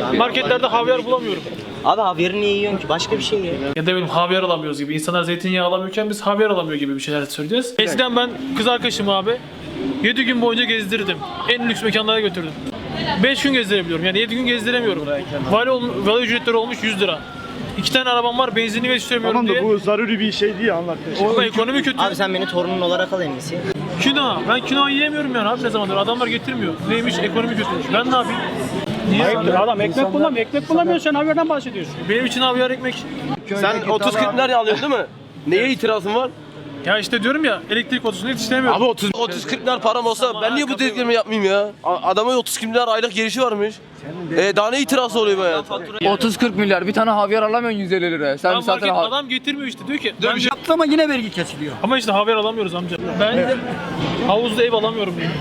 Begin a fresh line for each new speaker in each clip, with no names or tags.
Marketlerde havyar bulamıyorum.
Abi havyarı niye yiyorsun ki? Başka bir şey ye.
Ya da benim havyar alamıyoruz gibi. İnsanlar zeytinyağı alamıyorken biz havyar alamıyor gibi bir şeyler söyleyeceğiz. Eskiden ben kız arkadaşımı abi 7 gün boyunca gezdirdim. En lüks mekanlara götürdüm. 5 gün gezdirebiliyorum. Yani 7 gün gezdiremiyorum. Vali ücretleri olmuş 100 lira. 2 tane arabam var, benzinli geçiremiyorum
Tamam da
diye.
bu zaruri bir şey değil anlatmışım.
Ama ekonomi kötü.
Abi sen beni torunun olarak al en iyisi.
Kino. Ben kino yiyemiyorum yani abi ne zamandır. Adamlar getirmiyor. Neymiş? Ekonomi kötüymüş. Ben ne yapayım? Niye?
Adam ekmek bulamıyor. Ekmek bulamıyor, sen havyardan bahsediyorsun.
Benim için havyar ekmek.
Sen 30-40 liraya alıyorsun değil mi? Neye itirazın var?
Ya işte diyorum ya elektrik faturasını yetiştiremiyorum.
Abi 30-40 lira param olsa ben niye bu dediklerimi yapmayayım ya? Adamın 30 milyar aylık gelişi varmış. Daha ne itirazı oluyor bu hayata?
30-40 milyar bir tane havyar alamıyorsun 150 liraya. Sen zaten
Adam getirmiyor işte diyor ki. Ben
Ama yine vergi kesiliyor.
ama işte havyar alamıyoruz amca. Ben de havuzda ev alamıyorum diyor.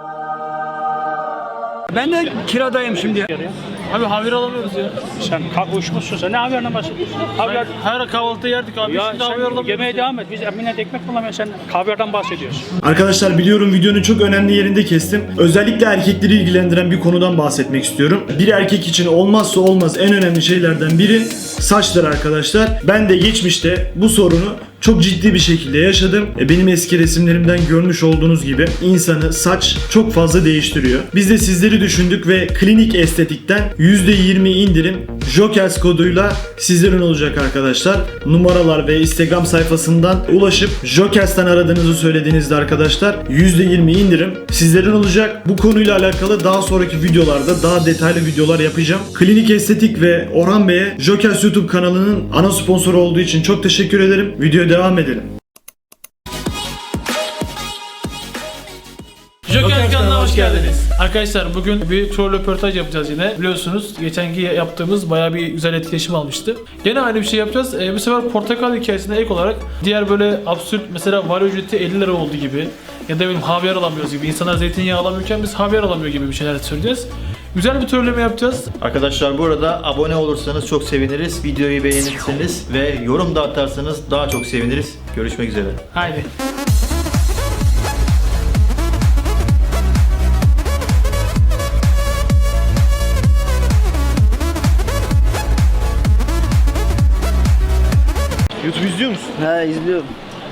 Ben de kiradayım şimdi.
Abi havyar alamıyoruz ya.
Sen uçmuşsun, sen ne havyardan bahsediyorsun? Havyar...
Her kahvaltıda yerdik abi.
Ya
Şimdi havyar
sen
alamıyoruz.
yemeğe devam et. Biz millet ekmek bulamıyoruz, sen havyardan bahsediyorsun.
Arkadaşlar biliyorum videonun çok önemli yerinde kestim. Özellikle erkekleri ilgilendiren bir konudan bahsetmek istiyorum. Bir erkek için olmazsa olmaz en önemli şeylerden biri saçlar arkadaşlar. Ben de geçmişte bu sorunu çok ciddi bir şekilde yaşadım. Benim eski resimlerimden görmüş olduğunuz gibi insanı saç çok fazla değiştiriyor. Biz de sizleri düşündük ve klinik estetikten %20 indirim Jokers koduyla sizlerin olacak arkadaşlar. Numaralar ve Instagram sayfasından ulaşıp Jokers'ten aradığınızı söylediğinizde arkadaşlar %20 indirim sizlerin olacak. Bu konuyla alakalı daha sonraki videolarda daha detaylı videolar yapacağım. Klinik Estetik ve Orhan Bey'e Jokers YouTube kanalının ana sponsoru olduğu için çok teşekkür ederim. Videoya devam edelim.
Joker kanalına hoş geldiniz. Arkadaşlar bugün bir troll röportaj yapacağız yine. Biliyorsunuz geçenki yaptığımız bayağı bir güzel etkileşim almıştı. Gene aynı bir şey yapacağız. Bu sefer portakal hikayesine ek olarak diğer böyle absürt mesela vali ücreti 50 lira oldu gibi ya da benim havyar alamıyoruz gibi. İnsanlar zeytinyağı alamıyorken biz havyar alamıyor gibi bir şeyler söyleyeceğiz. Güzel bir trolleme yapacağız.
Arkadaşlar bu arada abone olursanız çok seviniriz. Videoyu beğenirseniz ve yorum da atarsanız daha çok seviniriz. Görüşmek üzere.
Haydi.
YouTube izliyor musun?
He izliyorum.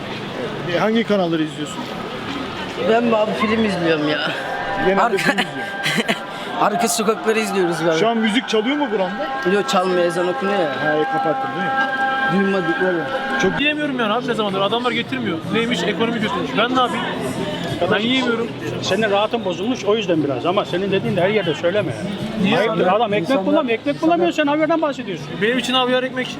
Hangi kanalları izliyorsun?
Ben abi film izliyorum ya.
Genelde film izliyorum.
Arka sokakları izliyoruz galiba.
Şu an müzik çalıyor mu buranda?
Yok çalmıyor, ezan okunuyor ya.
He kapattın değil mi?
Duymadıkları.
Çok yiyemiyorum yani abi ne zamandır. Adamlar getirmiyor. Neymiş? Ekonomi kötüymüş. Ben ne yapayım? Ben yiyemiyorum.
Senin rahatın bozulmuş, o yüzden biraz. Ama senin dediğin de her yerde söyleme.
Niye?
Ayıptır. Adam ekmek bulamıyor. Ekmek bulamıyor, sen havyardan bahsediyorsun.
Benim için havyar ekmek.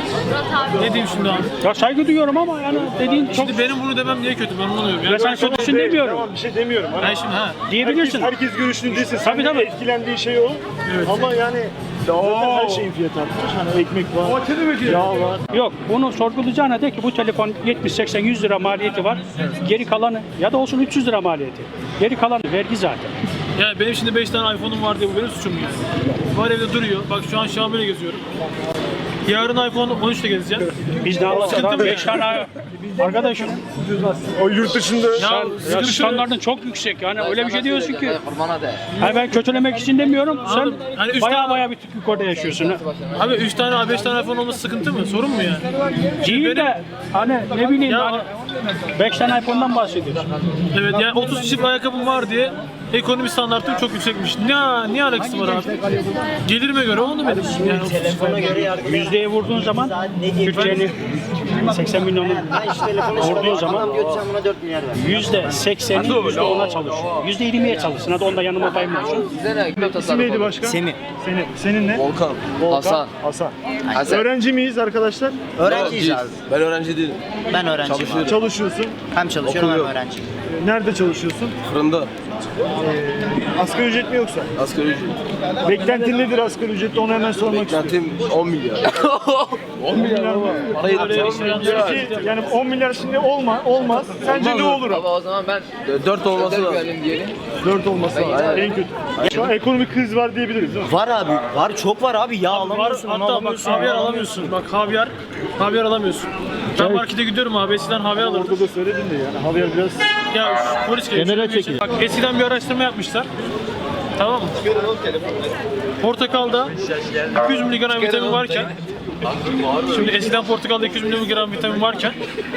Ne diyeyim şimdi abi?
Ya saygı duyuyorum ama yani dediğin çok...
Şimdi benim bunu demem niye kötü? Ben anlamıyorum.
Ya sen kötüsün demiyorum.
Tamam bir şey demiyorum. Hani
Ben şimdi
Diyebilirsin.
herkes görüşünü desin.
Tabii, tabii.
Etkilendiği şey o.
Evet.
Ama yani zaten her şeyin fiyatı artmış. Hani ekmek var, yağ var.
Yok, bunu sorgulayacağına de ki bu telefon 70, 80, 100 lira maliyeti var. Geri kalanı ya da olsun 300 lira maliyeti. Geri kalanı vergi zaten.
ya benim şimdi 5 tane iPhone'um var diye bu benim suçum mu yani? Var evde duruyor. Bak şu an Xiaomi'yle geziyorum. Yarın iPhone 13'te gezeceğim.
Biz ne
Sıkıntı
yapalım?
mı?
5 tane arkadaşım.
O yurt dışında
Ya standartın çok yüksek yani öyle bir şey diyorsun ki. Hani ben kötülemek için demiyorum. Sen
hani üç
baya
tane-
baya bir yukarıda yaşıyorsun. Ha.
Abi 3 tane 5 tane iPhone olması sıkıntı mı? Sorun mu yani?
Değil de hani ne bileyim
Ya-
hani 5 tane iPhone'dan bahsediyorsun.
Evet yani 30 çift ayakkabım var diye ekonomi standartım çok yüksekmiş. Niye alakası var abi? Gelirime göre oldu benim. Yani 30 çift
Telefona
ayakkabı.
göre yargı.
Yüzdeye vurduğun zaman Türkiye'nin 80 milyonun
Şu telefonu
vurduğun zaman
adam götürsen buna 4 milyar ver.
%80'i %10'a çalışıyor. %20'ye çalışsın. Hadi onda yanıma payım olsun.
isim neydi başkan?
Semih.
Senin ne?
Volkan.
Volkan. Hasan. Öğrenci miyiz arkadaşlar?
Öğrenciyiz abi.
Ben öğrenci değilim.
Ben öğrenciyim abi.
Çalışıyorsun.
Hem çalışıyorum hem
Okuyorum.
öğrenciyim.
Nerede çalışıyorsun?
Fırında.
Asgari ücret mi yoksa?
Asgari ücret.
Beklentin nedir asgari ücrette onu hemen sormak istiyorum.
Beklentim 10 milyar.
10 milyar mı?
Para yetmiyor.
Peki yani 10 milyar şimdi olmaz. Sence ne olur?
Baba o zaman ben
4 olması lazım.
diyelim.
4 olması lazım. En kötü. Şu an ekonomik kriz var diyebiliriz değil mi?
Var abi. Var, çok var abi. Yağ
Var,
alamıyorsun, onu
hatta bak
alamıyorsun.
havyar alamıyorsun. Bak havyar alamıyorsun. Ben markete gidiyorum abi eskiden havyar alırdım.
Orada da söyledin de yani havyar biraz
Ya polis geliyor. Bak eskiden bir araştırma yapmışlar. Tamam mı? Portakalda 200 mg vitamin varken, şimdi eskiden portakalda 200 mg vitamin varken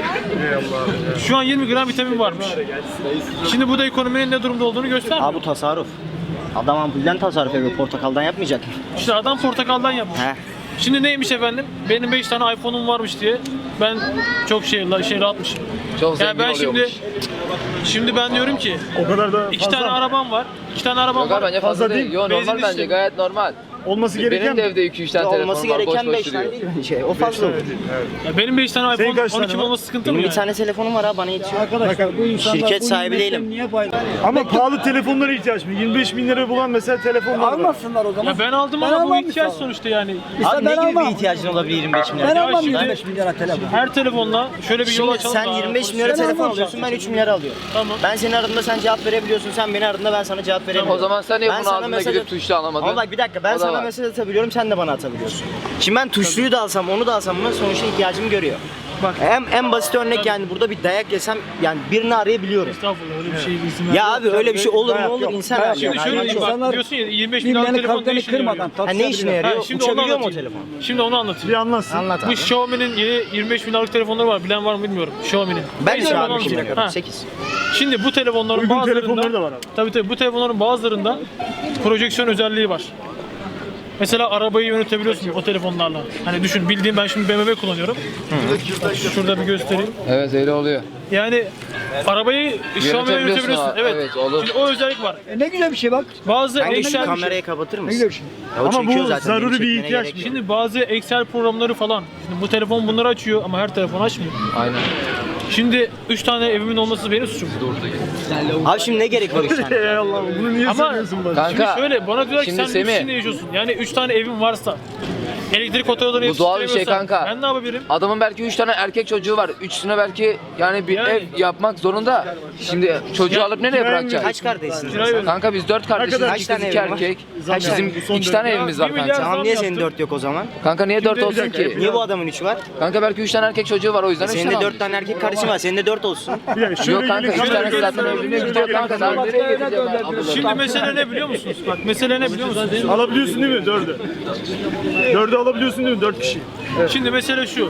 şu an 20 gram vitamin varmış. Şimdi bu da ekonominin ne durumda olduğunu göstermiyor.
Abi bu tasarruf. Adam ampulden tasarruf ediyor. Portakaldan yapmayacak mı?
İşte adam portakaldan yapmış.
He.
Şimdi neymiş efendim? Benim 5 tane iPhone'um varmış diye ben çok rahatmışım.
Çok
Yani
zengin
ben
oluyormuş.
şimdi ben diyorum ki
O kadar da
2 tane arabam var. 2 tane arabam
Yok abi
var.
bence fazla
Fazla
değil.
değil.
Yo normal
Benzin
bence
işte.
gayet normal.
olması gereken
Benim de evde 2-3 tane telefonum
Olması
var boş
gereken
boş
5 tane
duruyor.
değil mi? O fazla olur.
Ya benim 5 tane
Senin
iPhone
kaç tane
12
var?
olması sıkıntı
Benim
mı
bir
yani?
tane telefonum var ha, bana yetiyor. Şirket sahibi değilim.
ama pahalı telefonlara ihtiyaç mı? 25 bin lira bulan mesela telefonlar var.
Almasınlar o zaman.
Ya ben aldım ama bu ihtiyaç sonuçta yani.
Abi ne
ben
gibi
almam.
bir ihtiyacın olabilir 25 milyar?
Ben
Ya
almam
şimdi-
25 milyara telefon.
Her telefonla şöyle bir yol
Şimdi
açalım.
sen
da-
25 milyara telefon alıyorsun, ben 3 milyar alıyorum.
Tamam.
Ben senin aradığında sen cevap verebiliyorsun, sen beni aradığında ben sana cevap veremiyorum.
O zaman sen niye
Ben
bunu
sana
aldığında
mesaj
gidip
at-
tuşlu alamadın?
Ama bak bir dakika, ben
O da
sana
var.
mesaj atabiliyorum, sen de bana atabiliyorsun. Şimdi ben tuşluyu da alsam, onu da alsam, buna sonuçta ihtiyacım görüyor.
Bak.
En basit örnek yani burada bir dayak yesem yani birini arayabiliyorum.
Estağfurullah öyle bir şey izin
Ya abi öyle bir şey olur mu olur,
yok.
insan
Dayak
hali.
Şimdi şöyle diyeyim bak
İnsanlar
diyorsun ya 25 bin liralık
Birbirlerinin
telefon ne
kalplerini
işine yarıyor?
kırmadan
Ha, ne işine yarıyor?
Ha, şimdi onu
Uçabiliyor mu o
anlatayım.
telefon?
Şimdi onu anlatayım.
Bir anlatsın.
Anlat
Bu
abi.
Xiaomi'nin yeni 25 bin liralık telefonları var. Bilen var mı bilmiyorum. Xiaomi'nin.
Ben
Neyse,
de
onu
abi şimdi
anlatayım. Ha.
8.
Şimdi bu telefonların
Uygun
bazılarında
telefonları da var abi.
Tabii bu telefonların bazılarında projeksiyon özelliği var. Mesela arabayı yönetebiliyorsun o telefonlarla. Hani düşün bildiğim ben şimdi BMW kullanıyorum. Bak, şurada bir göstereyim.
Evet öyle oluyor.
Yani arabayı Xiaomi'ye yönetebiliyorsun.
ha.
Evet.
Evet, olur.
Şimdi o özellik var.
Ne güzel bir şey bak.
Bazı
Kanka şu
Excel
kamerayı kapatır
Ne
mısın?
güzel bir şey.
Ya o
Ama bu
çekiyor zaten,
zaruri
beni
bir
çekmene
ihtiyaç
gerek yok.
Şimdi bazı Excel programları falan. Şimdi bu telefon bunları açıyor ama her telefon açmıyor.
Aynen.
Şimdi 3 tane evimin olması benim suçum.
Abi şimdi ne gerek var 3 tane?
Ey Allah, bunu niye
Ama-
söylüyorsun bana?
Şimdi
Kanka
şöyle bana diyorlar ki
şimdi
sen lüks
Semih,
içinde yaşıyorsun. Yani 3 tane evin varsa elektrik faturalarını
Bu doğal bir şey
yetiştiremiyorsan
kanka.
ben ne yapabilirim?
adamın belki 3 tane erkek çocuğu var. Üçüne belki yani bir
Yani.
ev yapmak zorunda. Şimdi çocuğu
Ya,
alıp nereye bırakacak?
Kaç kardeşsin?
Kirayı ver.
Kanka biz 4 kardeşiz.
kadar?
Kaç
İki kız
tane
2
evin var?
erkek.
Kaç
Bizim
tane? Bu son
2 tane
dört.
evimiz
Ya,
var
bir milyar
kanka.
Tamam niye senin
yaptım.
4 yok o zaman?
Kanka niye 4
Şimdi bir
olsun
dakika,
ki?
Niye bu adamın 3 var?
Kanka belki 3 tane erkek çocuğu var o yüzden 3
Senin
tane
de
almış.
4 tane erkek kardeşin var. Senin de 4 olsun.
Bir dakika, şöyle
Yok kanka
gelin,
3
şöyle
tanesi
gelin,
zaten
şöyle
evliliğe
gelin,
gidiyor
şöyle
kanka.
gelin.
Sen nereye gideceksin?
Şimdi mesele ne biliyor musunuz? Bak mesele ne biliyor musunuz?
Alabiliyorsun değil mi? 4'ü. 4'ü alabiliyorsun değil mi? 4 kişi.
Şimdi mesele şu.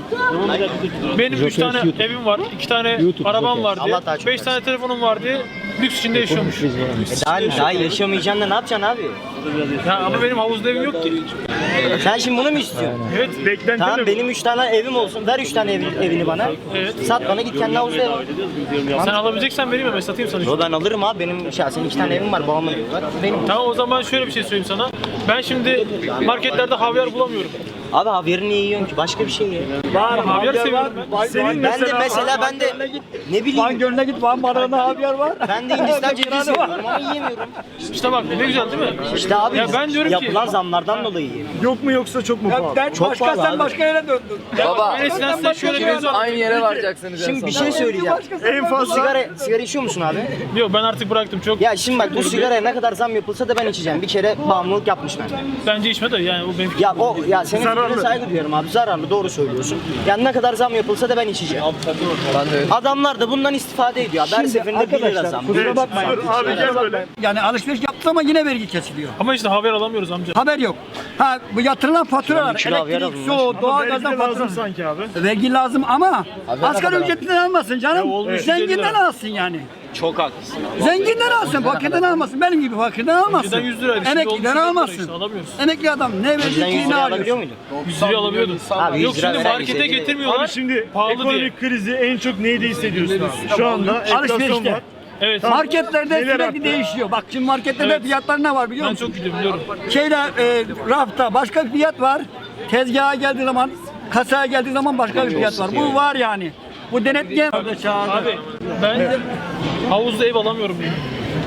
Benim 3 tane evim var, 2 tane arabam var diye,
Allah daha çok
5 tane telefonum var diye lüks içinde yaşıyormuş.
Daha yaşamayacaksın da ne yapacaksın abi?
Ya ama benim havuzda evim yok ki.
Sen şimdi bunu mu istiyorsun?
Evet.
Beklenti
Tamam
ne?
benim 3 tane evim olsun. Ver 3 tane evini bana.
Evet.
Sat bana, git kendi havuzda ev al.
Sen alabileceksen benim eve satayım sana.
Yo ben alırım abi. Benim şahsen 2 tane evim var. Babamın evi var. Benim.
Tamam o zaman şöyle bir şey söyleyeyim sana. Ben şimdi marketlerde havyar bulamıyorum.
Abi havyarı niye yiyorsun ki? Başka bir şey ye.
Havyar seviyorum ben.
Senin
Ben de mesela ben de ne bileyim.
Van Gölü'ne git, Van Barağı'na havyar var.
Ben de Hindistan cevizi seviyorum ama yiyemiyorum.
İşte bak ne güzel değil mi?
İşte abi
Ya ben diyorum ki-
yapılan zamlardan dolayı yiyemiyorum.
Yok mu yoksa çok mu pahalı?
Ben
Çok
başka,
pahalı
sen
abi.
başka yere döndün.
Baba
Ben eskiden size şöyle bir mevzu
aynı yere varacaksınız en
Şimdi bir
sonunda.
şey söyleyeceğim.
En
Bu
fazla
sigara içiyor musun abi?
Yok ben artık bıraktım çok.
Ya şimdi bak bu sigaraya ne kadar zam yapılsa da ben içeceğim. Bir kere bağımlılık yapmış ben.
Bence içme de yani o benim
Ya senin
Zararlı.
fikrine saygı duyuyorum abi. Zararlı, doğru söylüyorsun. Yani ne kadar zam yapılsa da ben içeceğim.
Ben de öyle.
Adamlar da bundan istifade ediyor. Her
Şimdi
seferinde 1 lira
arkadaşlar,
zam.
kusura
Evet,
bakmayın.
dur abi gel böyle.
Yani alışveriş yaptı ama yine vergi kesiliyor.
Ama işte haber alamıyoruz amca.
Haber yok. Ha bu yatırılan faturalar,
kilo havyar
elektrik,
alınmış.
su,
Ama
doğalgazdan
vergi de lazım
fatura.
sanki abi.
Vergi lazım ama asgari ücretinden almasın canım.
olmuş
Zenginden
150 lira.
alsın yani.
Çok haklısın.
Zenginden alsın, fakirden almasın. Benim gibi fakirden almasın.
Önceden 100 liraydı, şimdi olmuş 100
Emekliden
lira
almasın.
işte, alamıyoruz.
Emekli adam ne
Önceden 100
verdiğini
lira alabiliyor
alıyor.
muydun?
100 lira alabiliyordun.
Abi 100
Yok
lira
şimdi
veren
markete
bize değil.
getirmiyorlar.
Abi şimdi
pahalı diye.
ekonomik krizi en çok neyde hissediyorsun abi? Şu anda enflasyon
Alışverişte.
var.
Evet.
Marketlerde
Neler
sürekli
arttı?
değişiyor. Bak şimdi marketlerde
Evet.
fiyatlar ne var biliyor
Ben
musun?
çok gidiyorum biliyorum.
Şeyde rafta başka bir fiyat var. Tezgaha geldiği zaman, kasaya geldiği zaman başka bir fiyat var. Bu var yani. Bu denetleyen
Abi ben havuzda ev alamıyorum yani.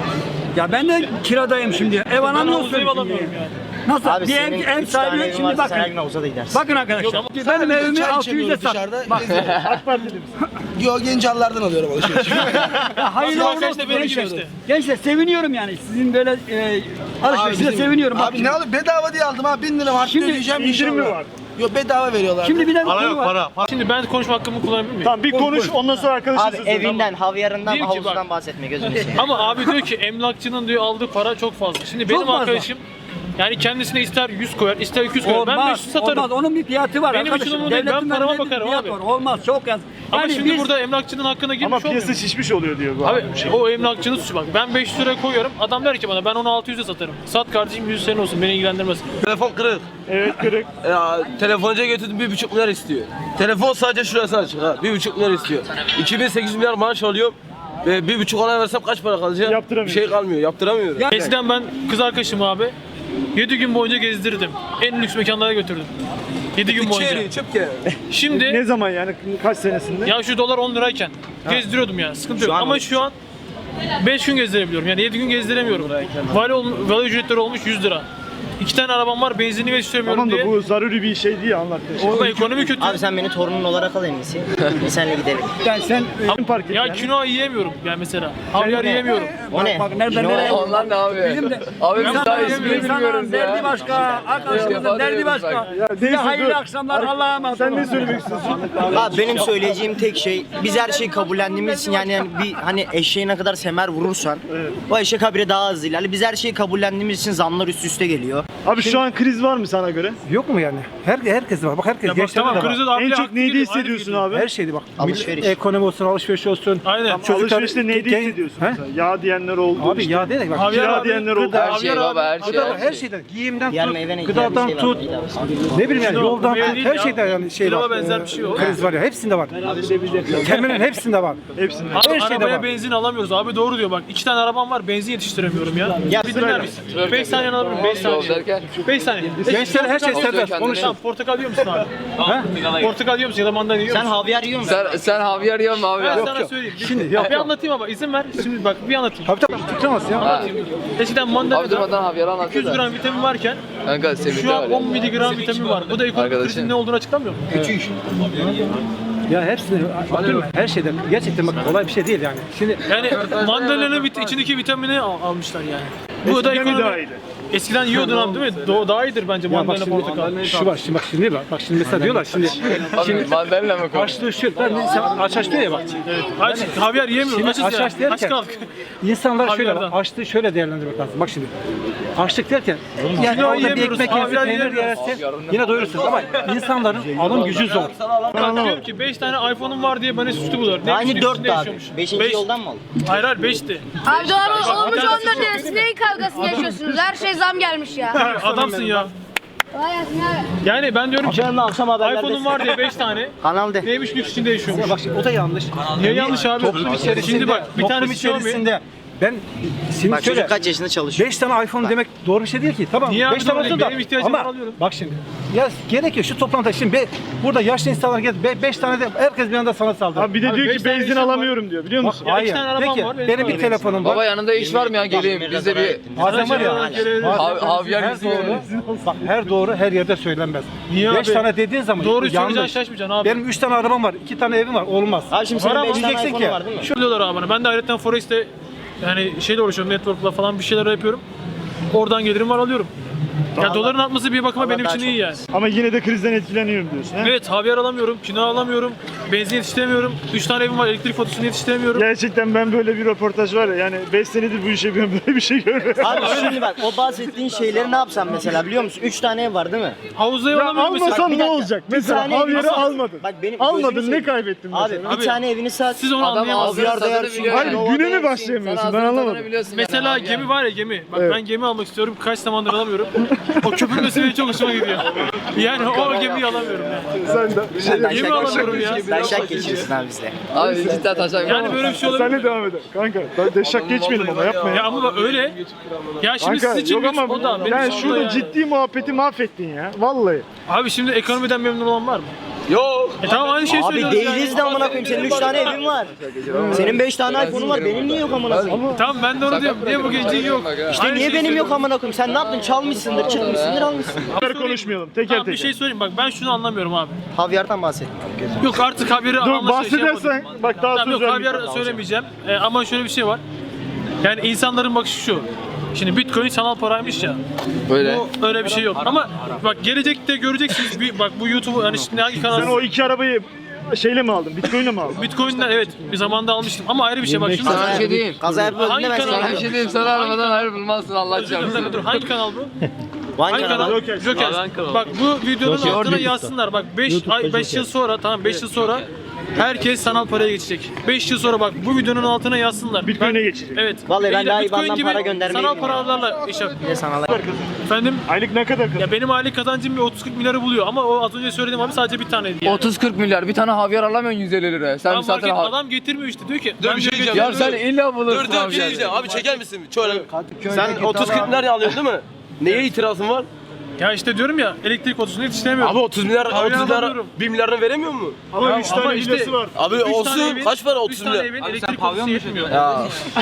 ya ben de kiradayım şimdi. Ev
Ben
alamıyorsun.
havuzda ev alamıyorum yani.
Nasıl?
Abi
bir
senin
ev
3 tane
sahibi
evin
şimdi
varsa sen her
bakın.
gün havuza da gidersin.
Bakın arkadaşlar. Benim evimi 600'e sat. Bak.
Yo Gençallardan alıyorum alışveriş.
Ya hayırlı
Şu
uğurlu
arkadaş da
olsun
benim gibi
gençler.
işte.
Gençler seviniyorum yani. Sizin böyle alışverişine seviniyorum. Bak
Abi ne alıp bedava diye aldım ha 1000 lira harçlı
Şimdi
ödeyeceğim
indirim mi
inşallah.
var?
Yo bedava veriyorlar.
şimdi bir de konu var.
Şimdi ben konuşma hakkımı kullanabilir miyim?
Tamam bir konuş ondan sonra arkadaşın
Abi
sözü.
evinden, havyarından,
Diyeyim ki
havuzundan
bak.
bahsetme gözünü seveyim.
Ama abi diyor ki emlakçının diyor aldığı para çok fazla. Şimdi benim
fazla.
arkadaşım Yani kendisine ister 100 koyar, ister 200 koyar. Ben 500 satarım.
Olmaz. Onun bir fiyatı var
Benim
arkadaşım.
için umurumda değil, ben
Devletin
parama
verdiği bir
bakarım
fiyat
abi.
var. Olmaz. Çok yaz.
Ama
Yani
şimdi
biz-
burada emlakçının hakkına girmiş
Ama
olmuyor.
piyasa şişmiş oluyor diyor bu
Abi
şey.
o emlakçının suçu bak. Ben 500 lira koyuyorum. Adam der ki bana ben onu 600'e satarım. Sat kardeşim 100 senin olsun beni ilgilendirmez.
Telefon kırık.
Evet kırık.
Telefoncuya götürdüm 1,5 milyar istiyor. Telefon sadece şurası açık ha. 1,5 milyar istiyor. 2800 milyar maaş alıyorum. Ve 1,5 ona versem kaç para kalacak? Bir
Yaptıramıyorsun.
şey kalmıyor. Yaptıramıyorum.
Eskiden ben kız arkadaşımı abi 7 gün boyunca gezdirdim. En lüks mekanlara götürdüm. 7 gün boyunca.
İçeri çöp gel.
Şimdi
Ne zaman yani kaç senesinde?
ya şu dolar 10 lirayken gezdiriyordum ya. Sıkıntı yok. Ama şu an 5 gün gezdirebiliyorum. Yani 7 gün gezdiremiyorum. Vali ücretleri olmuş 100 lira. 2 tane arabam var, benzinli geçiremiyorum
Tamam da
diye.
bu zaruri bir şey değil anlattığın.
Ama ekonomi kötü.
Abi sen beni torunun olarak al en iyisi. Biz seninle gidelim.
Yani sen park et
Ya
yani.
kinoa yiyemiyorum yani mesela. Havyar yiyemiyorum.
O ne?
Bak nereden nereye?
Onlar ne abi?
Bizim de
Abi biz daha
insanların
ismini bilmiyoruz
derdi
ya.
başka, arkadaşımızın derdi başka.
Ya
Size
neyse,
hayırlı
dur.
akşamlar. Allah'a emanet
Sen
olun.
ne söylemek istiyorsun?
Abi benim söyleyeceğim tek şey biz her şeyi kabullendiğimiz için yani bir hani eşeğe ne kadar semer vurursan o eşek habire daha hızlı ilerler. Biz her şeyi kabullendiğimiz için zamlar üst üste geliyor.
Abi şu an kriz var mı sana göre?
Yok mu yani? Herkes var. Bak herkes
Ya bak
gençler
tamam
de var.
krize de abi
En
haklı
çok neydi
değilim, ayrı
hissediyorsun
bir
abi?
Her şeydi bak.
Alışveriş.
Ekonomi olsun, alışveriş olsun.
Aynen.
Alışverişte neydi
gen-
hissediyorsun?
He?
mesela? Yağ diyenler oldu.
Abi
işte.
ya değil bak.
Havyar
Kira
abi,
diyenler oldu.
gıda-
Her şey baba her şey.
Gıda,
her
her
şey.
şeyden, giyimden
Diğer
tut,
meyve ne?
gıdadan
Diğer bir şey
tut,
var, neydi
ne bileyim yani
Şimdi o
yoldan
meyve
tut,
değil
her
ya.
şeyden yani şey
Pilava
var.
benzer bir şey o.
Kriz var ya, hepsinde var. Temelin hepsinde var.
Hepsinde.
Abi
Her şeyde
arabaya
var.
benzin alamıyoruz abi doğru diyor bak 2 tane arabam var benzin yetiştiremiyorum ya.
Ya
Bir dinler misin? 5 saniye alabilirim 5
Yol
saniye.
derken.
5 saniye.
Gençlere her şey
Oluyor
serbest.
kendine.
Konuşun.
Tamam portakal yiyor musun abi? Portakal yiyor musun ya da mandalina yiyor
Sen
musun?
havyar yiyor musun?
Sen Javier yiyorsun mu abi?
Ben
Yok,
sana
yok.
söyleyeyim.
Şimdi
bir
yok.
anlatayım ama izin ver. Şimdi bak bir anlatayım.
Tabii tabii. Tutamaz ya.
Ha.
Eskiden
Abi
mandalina
durmadan Javier anlatıyor
200
da.
gram vitamin varken
Kanka Semih
şu
de
an
var ya.
10 miligram vitamin var. Bu da ekonomik
Arkadaşım.
krizin ne olduğunu açıklamıyor mu?
Ya hepsini, bakıyorum her şeyden. Gerçekten bak kolay bir şey değil yani. Şimdi
Yani mandalina'nın içindeki vitamini almışlar yani. Bu da
Eskiden mi daha
ekonomi.
iyiydi?
Eskiden yiyordun abi değil mi? Daha iyidir bence
ya bak
mandalina
şimdi,
portakal.
bak şimdi mesela diyorlar şimdi
Abi mandalina mı koy?
açlığı şu ben insan aç diyor ya bak.
Aç, havyar yiyemiyorum.
Şimdi
Açız ya.
aç
Aç
derken
kaldık.
insanlar şöyle
Havyardan.
açlığı şöyle değerlendirmek lazım. Bak şimdi açlık derken yani
Kilo
orada bir
yiyemiyoruz,
ekmek yersin,
havyar
peynir
yiyemiyoruz.
yersin yine doyurursun ama insanların alım gücü zor.
Ben diyorum ki 5 tane iPhone'um var diye bana suçlu buluyor. Ne
Aynı
üstü
4
üstünde
abi.
yaşıyormuş.
5.
Beş.
yoldan mı aldın?
Hayır hayır 5'ti.
Abi doğru olmuş
Bir tanesi
14 lirası neyin kavgasını yaşıyorsunuz? Her şey zam gelmiş ya.
Adamsın ya.
Vay anasını ya.
Yani ben diyorum ki
Akşam akşam haberlerde.
iPhone'um var diye 5 tane.
Kanal de.
Neymiş lüks içinde yaşıyormuş.
Bak şimdi o da yanlış.
Niye yanlış abi?
Toplum içerisinde,
Şimdi bak bir
toplum
tanesi Xiaomi.
içerisinde ben şimdi
Bak
şöyle
çocuk kaç yaşında çalışıyor?
5 tane iPhone demek doğru bir şey değil ki. Tamam
Niye abi
5 tane
doğru
olsun
değil?
da
Benim ihtiyacım var,
ama
alıyorum.
bak şimdi ya gerekiyor şu toplantıda şimdi burada yaşlı insanlar gel 5 tane de herkes bir anda sana saldırır.
Abi bir de
Abi
diyor
beş
ki
tane
benzin
işim var.
alamıyorum diyor biliyor musun?
Ya iki tane arabam
Peki,
var, benim
benim
var.
bir telefonum var.
Baba yanında iş var mı ya geleyim biz de bir
Bazen var ya.
Javier
Her
bizi
doğru, bak her doğru her yerde söylenmez.
Niye
5
abi?
tane dediğin zaman
Doğruyu söyleyeceksin
yanlış.
şaşmayacaksın abi.
Benim 3 tane arabam var, 2 tane evim var. Olmaz.
Abi şimdi senin
Var ama
5 tane
diyeceksin
iPhone'un
ki,
var değil mi?
Şu diyorlar abi bana. Ben de ayrıca Forex'te yani şeyle uğraşıyorum. Network'la falan bir şeyler yapıyorum. Oradan gelirim var alıyorum. Ya doların artması bir bakıma
Allah
benim
daha
için
çok
iyi yani.
Ama yine de krizden etkileniyorum diyorsun. He?
Evet, havyar alamıyorum, kino alamıyorum, benzin yetiştiremiyorum, 3 tane evim var, elektrik faturasını yetiştiremiyorum.
Gerçekten ben böyle bir röportaj var ya yani 5 senedir bu işe yapıyorum böyle bir şey görmedim.
Abi şimdi bak o bahsettiğin şeyleri ne yapsam mesela biliyor musun? 3 tane ev var değil mi?
Havuzda
Ya
alamıyorum mesela.
almasan
Bir
ne
dakika.
olacak?
Bir
Mesela
tane
havyarı
evini sat.
almadın.
Bak benim
Almadın
gözümü
ne
seveyim.
kaybettin
Abi
mesela?
bir tane evini sat.
Siz onu
Adam
anlayamazsınız.
ağzına
Havyar
tadını
dayarsın.
biliyor.
Hayır,
Nova
güne mi
dayarsın.
başlayamıyorsun?
Sen
Ben
ağzının
anlamadım.
tadını biliyorsun
Mesela
yani,
gemi var ya gemi. Bak
Evet.
ben gemi almak istiyorum. Kaç zamandır alamıyorum. O köpürmesi benim çok hoşuma gidiyor. Yani o gemiyi alamıyorum yani.
Sen de
Gemi alamıyorum ya.
Sen şak geçiyorsun abi bizle.
Abi cidden taşak.
Yani böyle bir şey olabilir.
sen de devam eder. Kanka ben deşak geçmeyelim ama yapma
Ya
ya.
ama bak öyle. Ya şimdi
Kanka
siz için
yok
lüks,
ama
o da benim
yani
için o da
şurada
yani.
ciddi muhabbeti mahvettin ya. Vallahi.
Abi şimdi ekonomiden memnun olan var mı?
Yok.
Tamam aynı şeyi
Abi
söylüyoruz
değiliz
yani.
de amına koyayım. Senin 3 tane evin var. Senin 5 tane iPhone'un var. Benim niye yok amına koyayım?
Tamam ben de onu diyorum. Niye bu gece yok?
İşte
Aynı
niye
şeyi
benim yok
söylüyorum.
amına koyayım? Sen ne yaptın? Çalmışsındır, çıkmışsındır, almışsın.
Bunları konuşmayalım teker
Tamam
teker.
bir şey söyleyeyim bak ben şunu anlamıyorum abi.
Havyardan bahset.
Yok artık haberi
Dur
alma
bahsedersen
yapmadım.
bak daha
Tamam
söz
yok
vermeyeceğim.
haber söylemeyeceğim. Ama şöyle bir şey var. Yani insanların bakışı şu. Şimdi Bitcoin sanal paraymış ya.
Böyle.
Bu öyle bir şey yok. Ama bak gelecekte göreceksiniz. Bak bu YouTube hani şimdi hangi kanal?
Sen o 2 arabayı şeyle mi aldın? Bitcoin'le mi aldın?
Bitcoin'den evet bir zamanda almıştım ama ayrı bir şey bak. Şunu
Sana bir şey diyeyim.
Kaza yapıyordun
Hangi
değil mi?
kanal?
Sana bir şey diyeyim. Sana arabadan hayır bulmazsın Allah
Dur,
çarpsın.
dur, hangi kanal bu?
Van
Hangi
kanalı?
kanal? Joker. Bak bu videonun altına yazsınlar. Bak 5 yıl sonra, tamam 5 yıl sonra herkes sanal paraya geçecek. 5 yıl sonra bak bu videonun altına yazsınlar.
Bitcoin'e geçecek.
Evet.
Vallahi ben daha
Bitcoin
IBAN'dan
gibi
para göndermeyi
sanal
bilmiyorum.
paralarla iş yap.
Bir de sanal.
Efendim?
Aylık ne kadar
Ya benim aylık kazancım bir 30-40 milyarı buluyor ama o az önce söylediğim abi sadece bir taneydi yani.
30-40 milyar bir tane havyar alamıyorsun 150 liraya. Sen
Adam,
bir satın
adam getirmiyor işte diyor ki.
Dur,
ben
bir şey
diyor
diyeceğim.
Ya sen illa bulursun
Dur bir şey
havyar.
diyeceğim. Abi çeker misin? Şöyle. Sen 30-40 milyar alıyorsun değil mi? Neye itirazın var?
Ya işte diyorum ya elektrik faturasını yetiştiremiyorum.
Abi 30 milyar,
Hayır,
30 milyar,
alamıyorum.
1 milyarını veremiyor mu?
Ama 3 tane
ama işte-
hilesi var.
Abi
Üç tane
olsun.
evin-
Kaç para
üç
30
tane
milyar?
evin elektrik faturası yetmiyor.
Ya.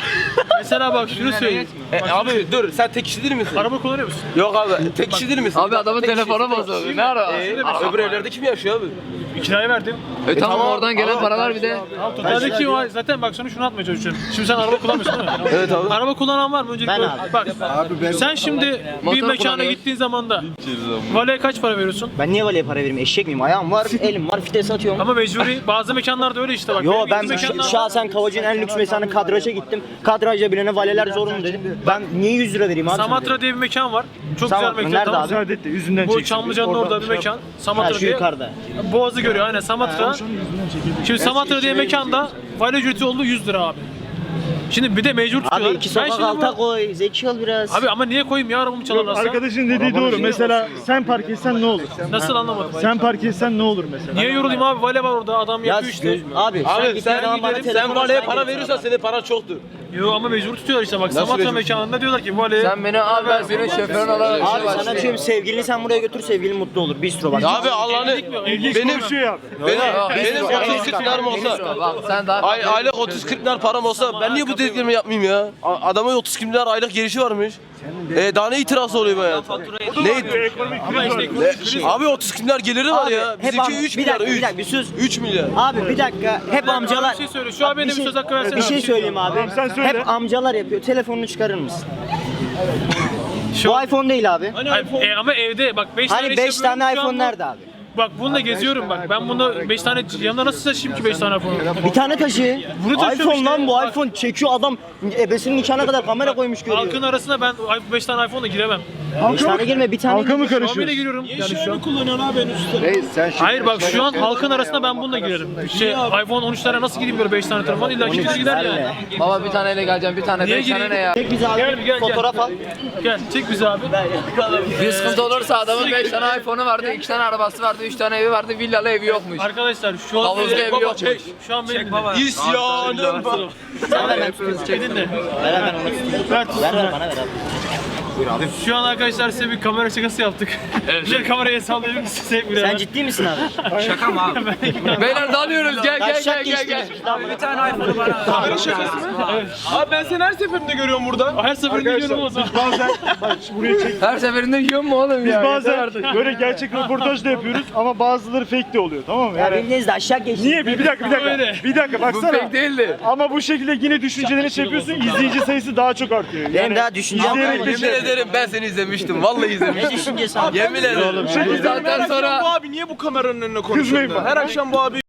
Mesela bak şunu söyleyeyim.
Abi dur, sen tek kişi değil misin?
Araba kullanıyor musun?
Yok abi, tek kişi değil misin?
Abi adamın telefonu bozuldu. Ne ara?
Öbür evlerde kim yaşıyor abi?
Kiraya verdim.
Tamam oradan gelen paralar bir de.
Tamam totaldeki o zaten bak sana şunu atmaya çalışıyorum. Şimdi sen araba kullanmıyorsun değil mi?
Evet abi.
Araba kullanan var mı? Öncelikle
Ben abi.
bak. Sen şimdi bir
Motor
mekana
kullanıyor.
gittiğin zaman da valeye kaç para veriyorsun?
Ben niye valeye para vereyim? Eşek miyim? Ayağım var, elim var, fites atıyorum.
Ama mecburi bazı mekanlarda öyle işte bak.
Yo
Benim
ben
gittiğim mekanlar-
şahsen Kavacı'nın en lüks mekanı kadraja gittim. Kadrajda bilene valeler zorunlu dedim. Ben niye 100 lira vereyim abi?
Samatra diye bir mekan var. Çok
Samatra,
güzel mekan.
nerede
Tamam.
abi?
Müsaade et de yüzünden
Bu
çeksin.
Çamlıca'nın orada bir mekan.
Ha,
Samatra
şu
diye.
yukarıda.
Boğaz'ı görüyor aynen Samatra. Şimdi Samatra diye mekanda vale ücreti oldu 100 lira abi. Şimdi bir de mecbur tutuyorlar.
Abi iki sokak
şimdi
alta koy, zeki ol biraz.
Abi ama niye koyayım ya arabamı çalarlarsa?
Arkadaşın dediği doğru. Mesela sen park etsen ne olur?
Nasıl anlamadım?
Sen park etsen ne olur mesela?
Niye yorulayım abi? Vale var orada adam
Ya
yapıyor işte.
abi sen
Abi
gittiğin zaman bana telefon
sen valeye
alsan
para
gelirsin
verirsen senin paran çoktur.
Yo ama mecbur tutuyorlar işte bak.
Nasıl
Samatra
mecbur?
mekanında diyorlar ki vale.
Sen beni al ben senin şoförün olarak işe
Abi sana
başlayayım.
diyorum sevgilini sen buraya götür sevgilin mutlu olur. Bistro bak.
Abi Allah'ını benim
Konuşuyor abi.
benim 30-40 milyarım olsa
Bak sen daha
aylık 30-40 milyar param olsa ben niye bu dediklerimi yapmayayım ya? Adamın 30 milyar aylık gelişi varmış. Daha ne itirazı oluyor bu hayata? Ne?
Ama işte
Abi 30 milyar geliri var ya.
hep
Bizimki
am-
3
bir
milyar.
dakika, bir dakika, bir sus.
3 milyar.
Abi bir dakika hep amcalar.
bir şey söyle. Şu an benim bir söz hakkı versene.
Bir şey söyleyeyim abi.
sen söyle.
Hep amcalar yapıyor. Telefonunu çıkarır mısın?
Şu
Bu iPhone değil abi.
ama evde bak 5 tane
Hani
iş
5
yapıyorum,
tane
şu an
iPhone
bu-
nerede abi?
Bak bununla geziyorum bak. Ben bunda 5 tane yanımda nasıl taşıyayım ki 5 tane iPhone'u?
Bir tane taşı.
Bunu taşıyorum
iPhone
işte.
lan bu
Bak.
iPhone çekiyor adam ebesinin nikahına kadar kamera koymuş görüyor.
Halkın arasına ben 5 tane iPhone'la giremem.
5 tane girme bir tane.
Halka mı
Xiaomi ile
karışıyorsun?
giriyorum yani şu an.
Reis sen şimdi
Hayır bak şu an halkın arasına ben bununla girerim. iPhone 13'lere nasıl gideyim böyle 5 tane telefon? İlla kimse gider yani.
baba bir taneyle geleceğim bir tane
Niye
5 tane
gireyim?
ne ya?
Çek bizi abi.
Gel.
Fotoğraf al.
Gel çek bizi abi.
Bir sıkıntı olursa adamın 5 tane iPhone'u vardı, 2 tane arabası vardı, 3 tane evi vardı, villalı evi yokmuş.
Arkadaşlar şu an
Havuzlu evi yokmuş.
Şu an benim
İsyanım var.
dinle.
Ver hemen onu.
Ver
Ver bana ver abi.
Şu an arkadaşlar size bir kamera şakası yaptık. Evet. Kamerayı sallayabilir misin?
Sen ciddi misin abi?
Beyler dalıyoruz gel.
Taşak geçtiniz biz lan.
Bir tane iPhone'u bana.
Kamera şakası mı? Abi ben seni her seferinde görüyorum burada.
Her seferinde görüyorum o zaman.
Bazen bak buraya çek.
Her seferinde yiyor mu oğlum ya?
Bazen böyle gerçek röportaj da yapıyoruz ama bazıları fake de oluyor, tamam mı?
Ya
Yani
bildiğiniz de aşağı geçti.
niye? Bir dakika.
Öyle.
Bir dakika
Bu
baksana.
pek değildi.
Ama bu şekilde yine düşüncelerini şey yapıyorsun, izleyici sayısı daha çok artıyor.
Benim daha düşüncem
izleyerek
var.
de
Yemin ederim ben seni izlemiştim. Vallahi izlemiştim.
Ne düşüncesi abi?
Yemin ederim.
Bu saatten sonra
Bu abi niye bu kameranın önüne konuşuyor?
Kızmayın bana.
Her akşam bu abi